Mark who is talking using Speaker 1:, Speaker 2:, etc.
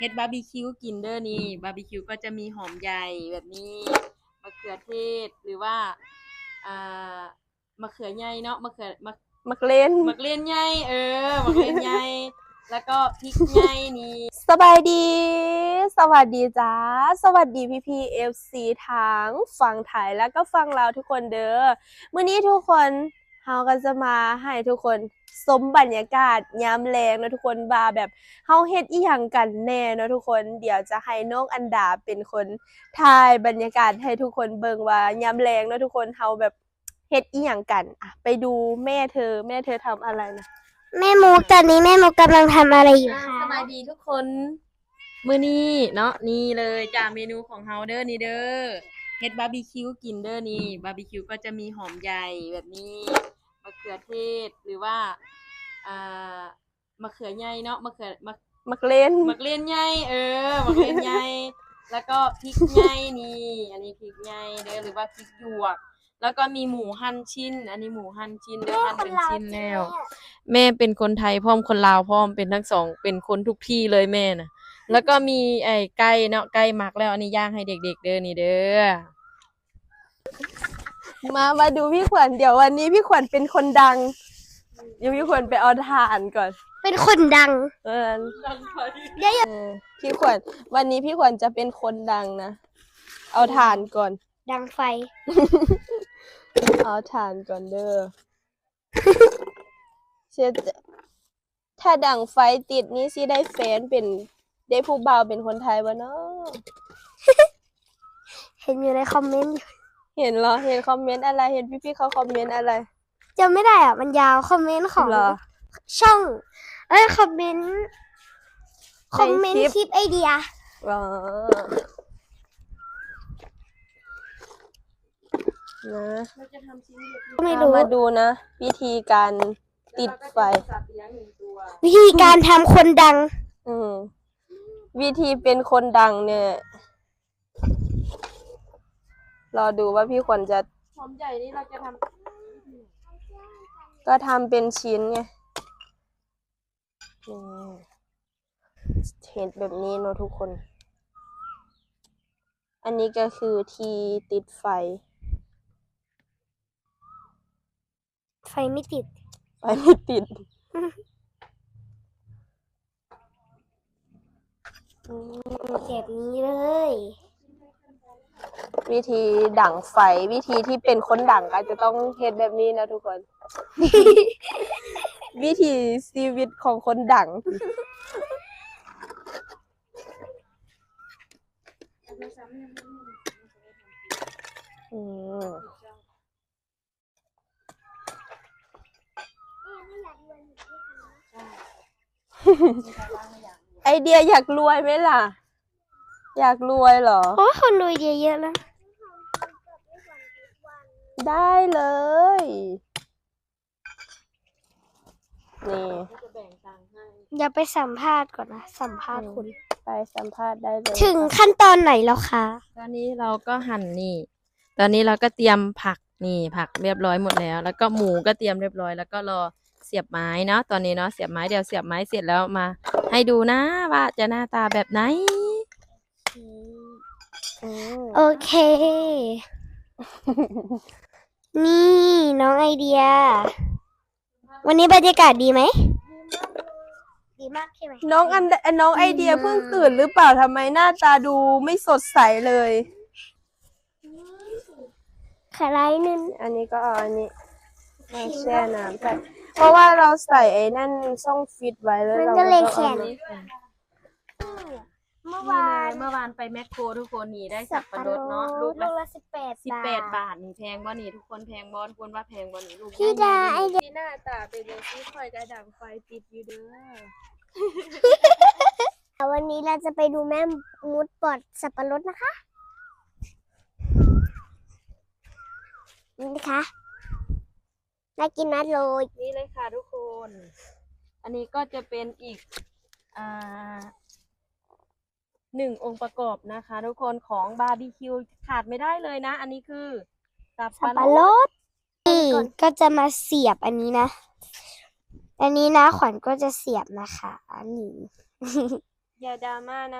Speaker 1: เฮ็ดบาร์บีคิวกินเด้อนี่บาร์บีคิวก็จะมีหอมใหญ่แบบนี้มะเขือเทศหรือว่าอ่ามะเขือใหญ่เนาะ
Speaker 2: มักเล่น
Speaker 1: มะเขือใหญ่มะเขือใหญ่แล้วก็พริกใหญ่นี่
Speaker 2: สบายดี สวัสดีจ้าสวัสดีพี่เอฟซีทั้งฝั่งไทยแล้วก็ฝั่งลาวทุกคนเด้อมื้อนี้ทุกคนเฮาก็จะมาให้ทุกคนสมบรรยากาศยามแลงเนาะทุกคนว่าแบบเฮาเฮ็ดอีหยังกันแน่เนาะทุกคนเดี๋ยวจะให้น้องอันดาเป็นคนถ่ายบรรยากาศให้ทุกคนเบิ่งว่ายามแลงเนาะทุกคนเฮาแบบเฮ็ดอีหยังกันอ่ะไปดูแม่เธอทำอะไรนะ
Speaker 3: แม่มุกตอนนี้แม่มุกกำลังทำอะไรอยู่คะ
Speaker 1: สบายดีทุกคนมื้อนี้เนาะนี่เลยจ้าเมนูของเฮาเด้อนี่เด้อเฮ็ดบาร์บีคิวกินเด้อนี่บาร์บีคิวก็จะมีหอมใหญ่แบบนี้มะเขือเทศหรือว่าอ่ามะเขือใหญ่เนาะ
Speaker 2: มักเล่น
Speaker 1: มะเขือใหญ่มะเขือใหญ่แล้วก็พริกใหญ่นี่อันนี้พริกใหญ่เด้อหรือว่าพริกหยวกแล้วก็มีหมูหั่นชิ้นอันนี้หมูหั่นชิ้นเด้อหั่นเป็นชิ้นแล้วแม่เป็นคนไทยพร้อมคนลาวพร้อมเป็นทั้งสองเป็นคนทุกที่เลยแม่น่ะแล้วก็มีไอ้ไก่เนาะไก่หมักแล้วอันนี้ย่างให้เด็กๆเด้อนี่เด้อ
Speaker 2: มาดูพี่ขวัญเดี๋ยววันนี้พี่ขวัญเป็นคนดังเดี๋ยวพี่ขวัญไปเอาถ่านก่อน
Speaker 3: เป็นคนดัง
Speaker 2: พี่ขวัญวันนี้พี่ขวัญจะเป็นคนดังนะเอาถ่านก่อน
Speaker 3: ดังไฟ
Speaker 2: เอาถ่านก่อนเด้อเชื่อถ้าดังไฟติดนี้สิได้แฟนเป็นได้ผู้บ่าวเป็นคนไทยบ่เนาะ
Speaker 3: เห็นอยู่ในคอมเมนต์
Speaker 2: เห็นเหรอเห็นคอมเมนต์อะไรเห็นพี่ๆเขาคอมเมนต์อะไร
Speaker 3: จำไม่ได้อ่ะมันยาวคอมเมนต์ของช่องคอมเมนต์คลิปไอเดีย
Speaker 2: อ๋อนะ
Speaker 3: ไม่รู้
Speaker 2: มาดูนะวิธีการติดไฟ
Speaker 3: วิธีการทำคนดัง
Speaker 2: วิธีเป็นคนดังเนี่ยรอดูว่าพี่ขวัญจะ
Speaker 1: หอมใหญ่นี่เราจะท
Speaker 2: ำก็ทำเป็นชิ้นไงเห็นแบบนี้เนอะทุกคนอันนี้ก็คือที่ติดไฟ
Speaker 3: ไม่ติด
Speaker 2: แบบ
Speaker 3: นี้เลย
Speaker 2: วิธีดั่งไฟวิธีที่เป็นคนดั่งก็จะต้องเฮ็ดแบบนี้นะทุกคน วิธีชีวิตของคนดั่งไอเดียอยากรวยไหมล่ะอยากรวยเหรอ
Speaker 3: โอ้คนรวยเยอะๆแล้ว
Speaker 2: ได้เลยนี่
Speaker 3: อย่าไปสัมภาษณ์ก่อนนะสัมภาษณ์คุณ
Speaker 2: ไปสัมภาษณ์ได้เลย
Speaker 3: ถึงขั้นตอนไหนแล้วคะ
Speaker 1: ตอนนี้เราก็หั่นนี่ตอนนี้เราก็เตรียมผักนี่ผักเรียบร้อยหมดแล้วแล้วก็หมูก็เตรียมเรียบร้อยแล้วก็รอเสียบไม้เนาะตอนนี้เนาะเสียบไม้เดี๋ยวเสียบไม้เสร็จแล้วมาให้ดูนะว่าจะหน้าตาแบบไหน
Speaker 3: โอเคนี่น้องไอเดียวันนี้บรรยากาศดีไหมดีมากใช่ไหม
Speaker 2: น้องไอเดียเพิ่งตื่นหรือเปล่าทำไมหน้าตาดูไม่สดใสเลย
Speaker 3: ขะไรนึง
Speaker 2: อันนี้ก็เอาอันนี้มาแช่น้ำไปเพราะว่าเราใส่ไอ้นั่นช่องฟิตไว้แล้ว
Speaker 3: เราก็เลยแข็ง
Speaker 1: เมื่อวานไปแมคโครทุกคนนี่ได้สับปะรดเนาะลูกละ18 บาทนี่แพงบ่นี่ทุกคนแพงบ่ทุกคนว่าแพงบ่นี่ลูก
Speaker 3: พี่ดาไอเดีย
Speaker 2: หน้าตาเป็นแบบที่คอยกระดังไฟติดอยู่เด้
Speaker 3: อวันนี้เราจะไปดูแม่มุดปอดสับปะรดนะคะนี่นะคะน่ากินมากเลย
Speaker 1: นี่เลยค่ะทุกคนอันนี้ก็จะเป็นอีก1 องค์ประกอบนะคะทุกคนของบาร์บีคิวขาดไม่ได้เลยนะอันนี้คือสับปะรด
Speaker 3: นี่ก็จะมาเสียบอันนี้นะอันนี้นะขวัญก็จะเสียบนะคะอันนี้
Speaker 2: อย่าดราม่านะ